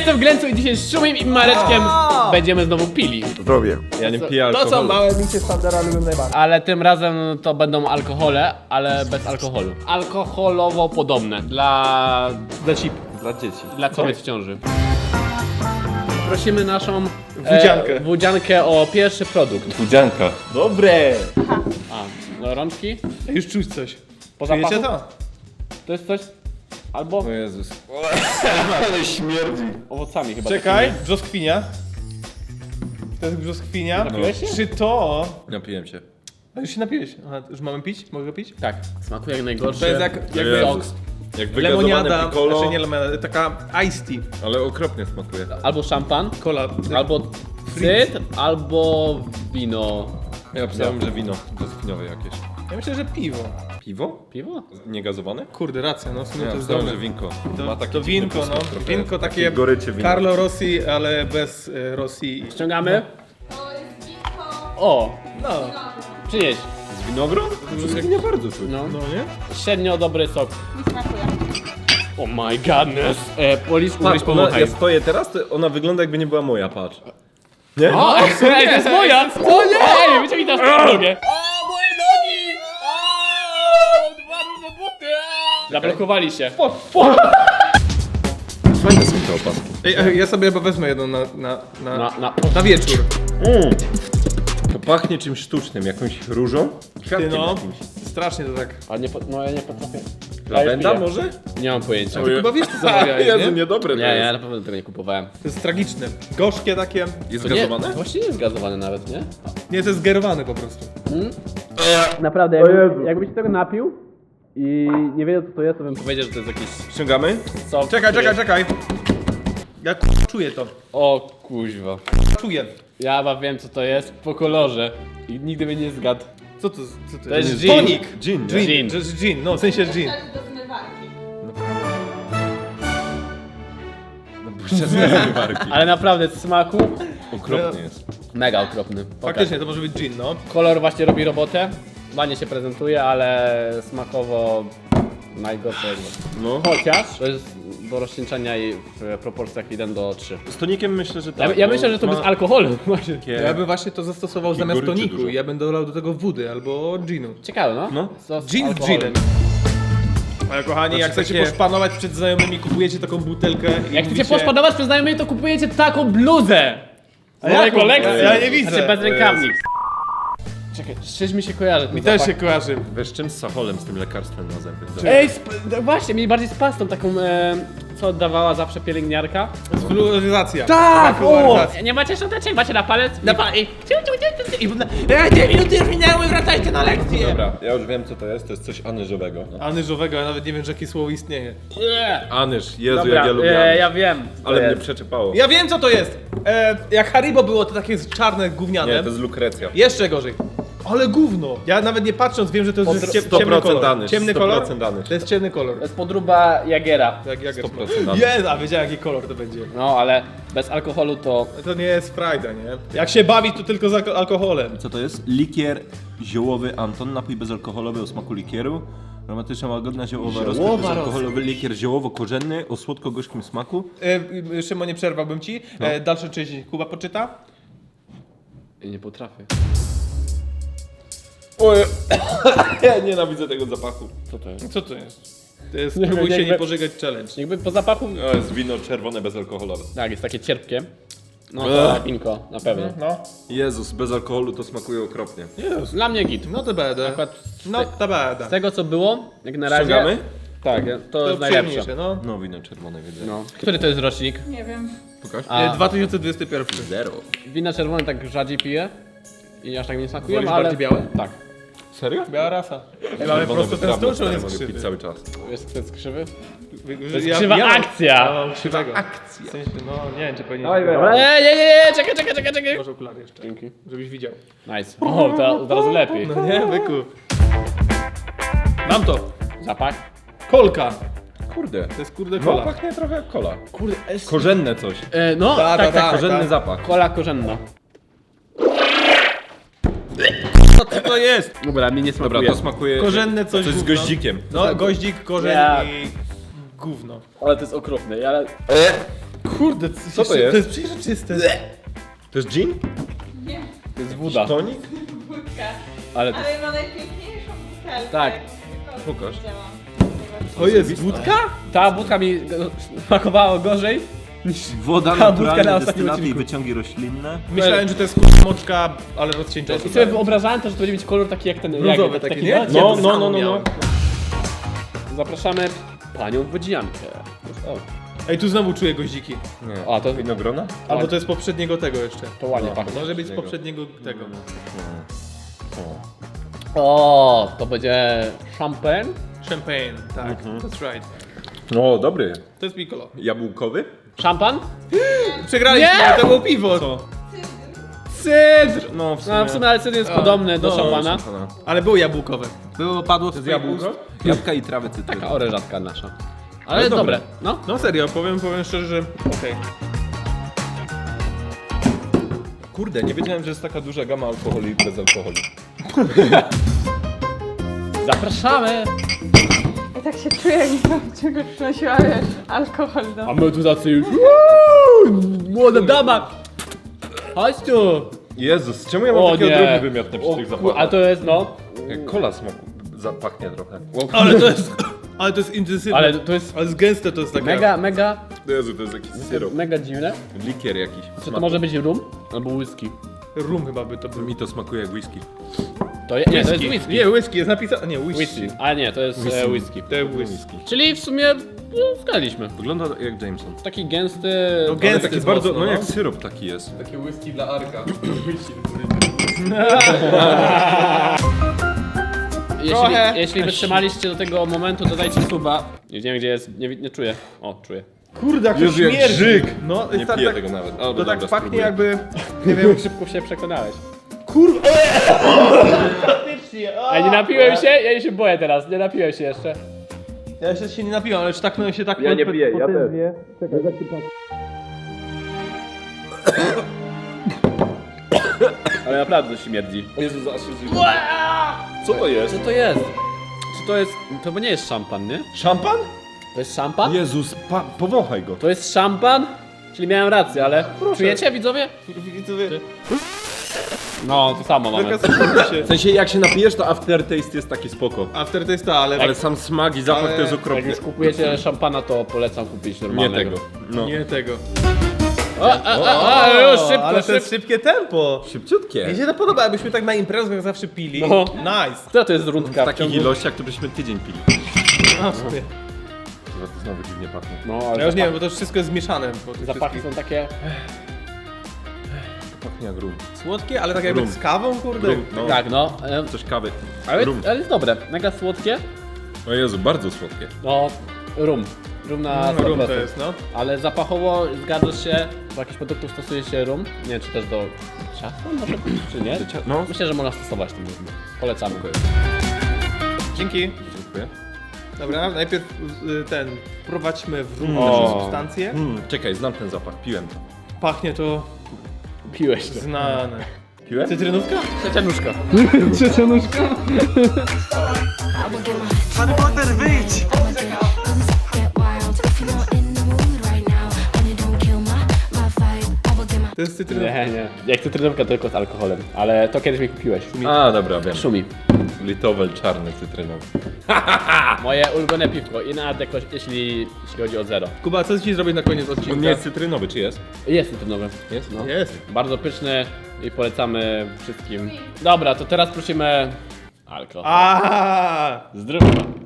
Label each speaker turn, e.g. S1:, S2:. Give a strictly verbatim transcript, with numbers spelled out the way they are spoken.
S1: jestem Glencu i dzisiaj z Szumim i Mareczkiem będziemy znowu pili.
S2: Zdrowie.
S3: Ja nie piję alkoholu.
S4: To są małe micie Sandera lubię najbardziej.
S1: Ale tym razem to będą alkohole, ale bez alkoholu. Alkoholowo podobne dla,
S4: Dla chip.
S3: Dla dzieci.
S1: dla kobiet w ciąży. Prosimy naszą
S4: Wódziankę.
S1: E, wódziankę o pierwszy produkt.
S3: Wódzianka.
S4: Dobre.
S1: A, no, rączki?
S4: Już czuć coś.
S1: Po
S4: Czujecie
S1: zapachu?
S4: to?
S1: To jest coś? Albo
S3: O Jezus. Ale śmierdzi.
S1: owocami chyba.
S4: Czekaj,
S1: takimi.
S4: brzoskwinia. To jest brzoskwinia.
S1: Napiłeś się?
S4: Czy to...
S3: Napiłem się.
S4: A już się napiłeś. Aha, już mamy pić? Mogę pić?
S1: Tak, smakuje jak najgorszy.
S4: To jest jak, jakby
S3: Jezus. Jak wygazowane
S4: lemoniada,
S3: piccolo,
S4: znaczy nie lemoniada, taka iced tea.
S3: ale okropnie smakuje.
S1: Albo szampan,
S4: Cola.
S1: albo cyd, albo wino.
S3: Ja pisałem, że wino brzoskwiniowe jakieś.
S4: Ja myślę, że piwo.
S3: Piwo?
S1: Piwo?
S3: Niegazowane?
S4: Kurde, racja, no w sumie
S3: Ja
S4: to jest
S3: pisałem,
S4: dobre.
S3: że winko.
S4: To,
S3: Ma taki
S4: to
S3: dziwny
S4: winko, no.
S3: posmak trochę.
S4: Winko takie
S3: goryczy wino.
S4: Carlo Rossi, ale bez y, Rossi.
S1: Ściągamy?
S5: To jest winko.
S1: O,
S4: No,
S1: przynieś.
S3: Z winogron? To nie bardzo czuć.
S1: No.
S4: no nie?
S1: Średnio dobry sok.
S5: Nie smakuje.
S1: Oh my godness. E, Polis, ugryź
S3: Patrz, ona,
S1: pomachaj.
S3: ja stoję teraz, to ona wygląda jakby nie była moja, patrz. Nie?
S1: O, ej, to jest moja! O nie! Ej, wyciągnij teraz nogę. O, moje nogi! O, dwa różne buty! Zablokowali się.
S3: Fajne są te opaski.
S4: Ej, ej, ja sobie chyba wezmę jedną na, na, na,
S1: Na, na.
S4: na wieczór.
S3: Mm. To pachnie czymś sztucznym, jakąś różą?
S4: Ty
S3: Kwiatkiem
S4: no,
S3: jakimś.
S4: strasznie to tak.
S1: A nie, po- no ja nie potrafię.
S3: Lawenda
S1: Ja piję.
S3: może?
S1: Nie mam pojęcia.
S4: Ty chyba wiesz co zamawiałeś,
S3: Jezu,
S4: nie?
S3: niedobre
S1: Nie,
S3: to
S1: ja
S3: jest.
S1: na pewno tego nie kupowałem.
S4: To jest tragiczne. Gorzkie takie.
S3: Jest
S1: To nie,
S3: gazowane?
S1: właściwie nie jest gazowane nawet, nie?
S4: Nie, to jest gerowane po prostu.
S1: Naprawdę, jakby, jakbyś tego napił i nie wiedział co to jest, to bym powiedział, że to jest jakiś
S3: Ściągamy?
S1: sok.
S4: Czekaj,
S1: który-
S4: czekaj, czekaj. Ja k- czuję to.
S1: O kuźwa.
S4: Czuję.
S1: Ja chyba wiem co to jest po kolorze i nigdy by nie zgadł.
S4: Co to, co to,
S1: To jest
S4: jest?
S1: gin.
S4: Tonik.
S3: Gin, nie?
S4: Gin.
S1: Gin.
S4: To jest gin, no w sensie gin.
S5: Rzecz do zmywarki.
S3: Warki.
S1: Ale naprawdę z smaku
S3: Okropnie jest.
S1: mega okropny. Pokaż.
S4: Faktycznie, to może być gin, no.
S1: Kolor właśnie robi robotę, ładnie się prezentuje, ale smakowo najgorsze.
S3: No.
S1: Chociaż to jest do rozcieńczenia i w proporcjach jeden do trzy.
S3: Z tonikiem myślę, że
S1: Ja,
S3: tak.
S1: ja
S3: bo
S1: myślę, że to
S3: ma
S1: bez alkoholu. właśnie.
S3: takie-
S4: Ja bym właśnie to zastosował zamiast
S3: goryczy
S4: toniku.
S3: dużo.
S4: Ja bym dolał do tego wody albo ginu.
S1: Ciekawe, no?
S3: No.
S1: Co z
S4: Gin z
S1: alkoholem?
S4: ginem. Ale kochani,
S3: Znaczy
S4: jak chcecie
S3: takie-
S4: poszpanować przed znajomymi, kupujecie taką butelkę i
S1: Jak chcecie
S4: mówicie...
S1: poszpadować przez znajomych, to kupujecie taką bluzę! Z mojej
S4: jaką?
S1: kolekcji!
S4: Ja nie widzę.
S1: Znaczy bez rękawnik. Czekaj, z czymś mi się kojarzy ten
S4: Mi też
S1: zapach.
S4: się kojarzy.
S3: Wiesz czym? Z Sacholem, z tym lekarstwem na zęby.
S1: Ej, sp- no właśnie, mi bardziej z pastą taką, e, co oddawała zawsze pielęgniarka.
S4: Fluoryzacja.
S1: Tak! O!
S4: Fluoryzacja.
S1: Nie macie szczoteczek, macie na palec? Na palec. I
S4: Ej, dwie minuty już minęły, wracajcie na lekcję!
S3: Dobra, ja już wiem co to jest, to jest coś anyżowego.
S4: Anyżowego, ja nawet nie wiem, że jakie słowo istnieje.
S3: Anyż, Jezu
S1: Dobra,
S3: jak ja lubię
S1: e,
S3: anyż.
S1: ja wiem. co
S3: Ale mnie
S1: jest.
S3: przeczepało.
S4: Ja wiem, co to jest! E, jak Haribo było, to takie czarne, gówniane.
S3: Nie, to jest lukrecja.
S4: Jeszcze gorzej. Ale gówno! Ja nawet nie patrząc wiem, że to jest cie,
S3: sto
S4: ciemny
S3: procent
S4: kolor.
S3: anyż,
S4: Ciemny
S3: sto
S4: kolor?
S3: procent anyż.
S4: To jest ciemny kolor.
S1: To jest podróba Jagiera.
S4: Jak jak
S3: sto procent anyż.
S4: Jest, a wiedziałem jaki kolor to będzie.
S1: No, ale bez alkoholu to...
S4: To nie jest frajda, nie? Jak się bawić, to tylko z alko- alkoholem.
S2: Co to jest? Likier ziołowy Anton, napój bezalkoholowy o smaku likieru. Romantyczna, łagodna, ziołowa rozkosz, bezalkoholowy likier ziołowo-korzenny o słodko-gorzkim smaku.
S4: E, Szymon, nie przerwałbym ci. E, dalsze część Kuba poczyta.
S1: Ja nie potrafię.
S3: Oj, ja nienawidzę tego zapachu.
S1: Co to jest?
S4: Co to jest? To jest
S1: Nie
S4: próbuj
S1: wiem,
S4: się
S1: jakby-
S4: nie pożygać challenge.
S1: Jakby po zapachu...
S3: To jest wino czerwone bezalkoholowe.
S1: Tak, jest takie cierpkie. No to
S3: Ech.
S1: winko, na pewno.
S4: No.
S3: Jezus, bez alkoholu to smakuje okropnie.
S1: Dla mnie git.
S4: No to będę.
S1: Akurat
S4: No to będę.
S1: z tego co było, jak na razie...
S3: Ściągamy?
S1: Tak, to,
S4: To
S1: jest najlepsze.
S4: przyjemniejsze, no.
S3: No wino czerwone widzę.
S1: No. Który to jest rocznik?
S5: Nie wiem.
S3: Pokaż.
S1: A.
S4: E, dwa tysiące dwudziesty pierwszy.
S3: Zero.
S1: Wina czerwone tak rzadziej piję i aż tak nie smakują,
S4: Wolisz
S1: ale...
S4: bardziej białe?
S1: Tak.
S3: Serio?
S4: Biała rasa. Mamy
S3: Czerwone
S4: prosto ten
S3: wytrawne,
S4: stół, czy on
S3: stary,
S4: jest
S3: mogę
S4: krzywy?
S3: pić cały czas.
S1: Jest ten krzywy?
S4: To
S1: jest krzywa akcja.
S4: No, krzywego. akcja. W sensie, no nie wiem, czy powinien...
S1: Nie, nie, nie, nie, czekaj, czekaj, czekaj, czekaj.
S4: Może okulary jeszcze.
S1: Dzięki.
S4: Żebyś widział.
S1: Nice. O, to teraz lepiej.
S4: No nie, byku. Mam to.
S1: Zapach?
S4: Kolka.
S3: Kurde.
S4: To jest kurde
S3: No
S4: kola.
S3: pachnie trochę jak kola.
S1: Kurde, es...
S3: Korzenne coś.
S1: E, no,
S4: Ta,
S1: tak,
S4: ta,
S1: tak,
S4: ta.
S3: Korzenny zapach.
S1: Kola korzenna.
S4: Co to jest?
S1: Dobra, mi nie
S3: Dobra,
S1: smakuje.
S3: to smakuje...
S4: Korzenne coś
S3: Coś z
S4: gówno.
S3: goździkiem.
S4: No, goździk, korzeń
S1: Ja.
S4: i gówno.
S1: Ale to jest okropne, ale...
S4: Kurde,
S2: Co to jest?
S4: To jest przejrzyste.
S2: To jest gin?
S5: Nie,
S1: To jest woda.
S2: Tonik?
S5: wódka.
S1: Ale to...
S5: Ale ma najpiękniejszą butelkę.
S1: Tak.
S5: Tylko
S2: Pokaż.
S5: widziałam.
S4: To jest wódka?
S1: Ta wódka mi smakowała gorzej niż...
S2: Woda
S1: Ta wódka na
S2: naturalna,
S1: ostatnim
S2: destylaty i
S1: odcinku.
S2: wyciągi roślinne.
S4: Myślałem, że to jest kurwa moczka, ale rozcieńczona.
S1: I sobie wyobrażałem to, że to będzie mieć kolor taki jak ten...
S4: Brązowy
S1: jak,
S4: taki,
S1: taki,
S4: nie?
S1: No,
S2: No,
S4: to
S2: no,
S4: samo
S2: no, no, no.
S4: miałem.
S1: Zapraszamy panią wodziankę. O,
S4: Ej, tu znowu czuję goździki.
S2: Nie.
S1: A, to-
S2: Winogrona?
S4: Albo to jest poprzedniego tego jeszcze.
S1: to ładnie
S2: No.
S1: pachnie.
S4: Może być z poprzedniego tego.
S1: O, to będzie champagne.
S4: Champagne, tak, that's right.
S2: O, dobry.
S4: To jest piccolo.
S2: Jabłkowy?
S1: Szampan?
S4: Przegraliśmy,
S1: Nie!
S4: to było piwo.
S2: Co?
S1: Cydr!
S2: No, w sumie.
S1: No, w sumie ale cydr jest podobny do
S4: no,
S1: szampana.
S2: Szampana.
S4: Ale było jabłkowe. Było, padło z
S2: To jest jabłko? Jabłka i trawy cytryny.
S1: Taka orężatka nasza. Ale
S2: jest
S1: dobre.
S2: dobre.
S1: No.
S4: No serio, powiem, powiem szczerze, że okej.
S2: Kurde, nie wiedziałem, że jest taka duża gama alkoholu i bez alkoholu.
S1: Zapraszamy!
S5: Ja tak się czuję, jakbym czegoś przynosiła, wiesz, alkohol do...
S1: A my tu tacy już... Uuu, młoda dama! Chodź tu!
S2: Jezus, czemu ja mam
S1: O
S2: takie
S1: nie!
S2: odruchy wymiotne przy
S1: O,
S2: tych
S1: ku-
S2: zapachach?
S1: A to jest no...
S2: Jak kola smaku zapachnie trochę.
S4: Ale to jest, ale to jest intensywne.
S1: Ale to jest
S4: Ale jest gęste, to jest takie...
S1: mega, mega,
S2: Jezu, to jest jakiś syrop.
S1: mega dziwne.
S2: Likier jakiś.
S1: Czy to może być rum? Albo whisky?
S4: Rum chyba by to był.
S2: Mi to smakuje jak whisky.
S1: To je, nie, to jest whisky.
S4: Nie, whisky, jest napisane... Nie, whisky.
S1: Whisky. A nie, to jest whisky. whisky.
S4: To jest whisky.
S1: Czyli w sumie no, zgadliśmy.
S2: Wygląda jak Jameson.
S1: Taki gęsty...
S4: No
S2: Ale
S4: gęsty
S2: taki
S4: jest
S2: bardzo,
S4: mocno,
S2: no
S4: no.
S2: jak syrop taki jest.
S3: Takie whisky dla Arka.
S1: Jeśli,
S4: Trochę.
S1: jeśli wytrzymaliście do tego momentu, to dajcie suba. Nie wiem gdzie jest, nie, nie czuję. O, czuję.
S4: Kurde, jak to
S2: Jezu, jak
S4: śmierdzi.
S2: żyk.
S4: No,
S2: Nie
S4: jest tak,
S2: piję
S4: tak,
S2: tego nawet. O,
S4: to
S2: dobra,
S4: tak pachnie
S2: spróbuję.
S4: jakby...
S1: Nie wiem, jak szybko się przekonałeś.
S4: Kurwa!
S1: Ej, nie napiłem się? Ja się boję teraz, nie napiłem się jeszcze.
S4: Ja jeszcze się nie napiłem, ale czy tak no się tak...
S2: Ja nie piję, ja też.
S1: Ale naprawdę śmierdzi.
S2: Jezus, aż się Co to jest?
S1: Co to jest? Czy to jest... To bo nie jest szampan, nie?
S2: Szampan?
S1: To jest szampan?
S2: Jezus, pa, powąchaj go.
S1: To jest szampan? Czyli miałem rację, ale... Czujecie, widzowie?
S4: Widzowie,
S1: No, to samo mamy.
S4: zakazujcie się.
S2: W sensie jak się napijesz, to aftertaste jest taki spoko.
S4: Aftertaste, ale...
S2: Ale sam smak i zapach
S4: Ale-
S2: to jest
S1: Jak
S2: okropny.
S1: już kupujecie szampana, to polecam kupić
S2: Nie
S1: normalnego.
S2: tego. No.
S4: Nie tego.
S1: O, a, a, a, już szybko,
S4: ale to
S1: szybko.
S4: jest szybkie tempo.
S2: Szybciutkie.
S4: Mi się to podoba, jakbyśmy tak na imprezach zawsze pili.
S1: No.
S4: Nice.
S1: Która to jest rundka
S2: W
S1: w
S2: takich
S1: ciągu...
S2: ilościach to byśmy tydzień pili.
S4: No, w sumie.
S2: Chyba to znowu dziwnie pachnie.
S1: No,
S4: Ja
S1: ale
S4: już nie wiem,
S1: zapach,
S4: bo to wszystko jest zmieszane. Po tych
S1: zapachy
S4: wszystkich-
S1: są takie...
S2: To pachnie jak rum.
S4: Słodkie, ale tak jakby
S2: Rum.
S4: z kawą, kurde.
S2: Rum, no.
S1: Tak, no. e,
S2: Coś kawy.
S1: Ale,
S2: Rum.
S1: ale jest dobre. Mega słodkie.
S2: O Jezu, bardzo słodkie.
S1: No, rum. Rum na
S4: No, rum
S1: sto
S4: to
S1: procent.
S4: jest, no.
S1: Ale zapachowo zgadzasz się, do jakich produktów stosuje się rum? Nie wiem, czy też do ciasta może, czy nie?
S2: Do cia- no.
S1: Myślę, że można stosować ten rum. Polecamy.
S4: Dzięki.
S2: Dziękuję.
S4: Dobra, najpierw y, ten, wprowadźmy w rum
S1: O.
S4: nasze substancje.
S2: Mm, czekaj, znam ten zapach, piłem to.
S4: Pachnie to
S1: Piłeś to.
S4: znane.
S2: Piłem?
S4: Cytrynówka?
S1: Trzecia nóżka.
S4: To jest cytrynówka.
S1: Nie, nie. Jak cytrynówka tylko z alkoholem. Ale to kiedyś mi kupiłeś.
S2: A, dobra, wiem.
S1: Szumi.
S2: Litowel czarny cytrynowy.
S1: Moje ulubione piwko. Inna jakoś, jeśli, jeśli chodzi o zero.
S4: Kuba, co ci zrobić na koniec odcinka?
S2: On nie jest cytrynowy, czy jest?
S1: Jest cytrynowy.
S2: Jest?
S1: No.
S4: Jest.
S1: Bardzo pyszny i polecamy wszystkim. Dobra, to teraz prosimy alkohol.
S4: A.
S1: Zdrówko.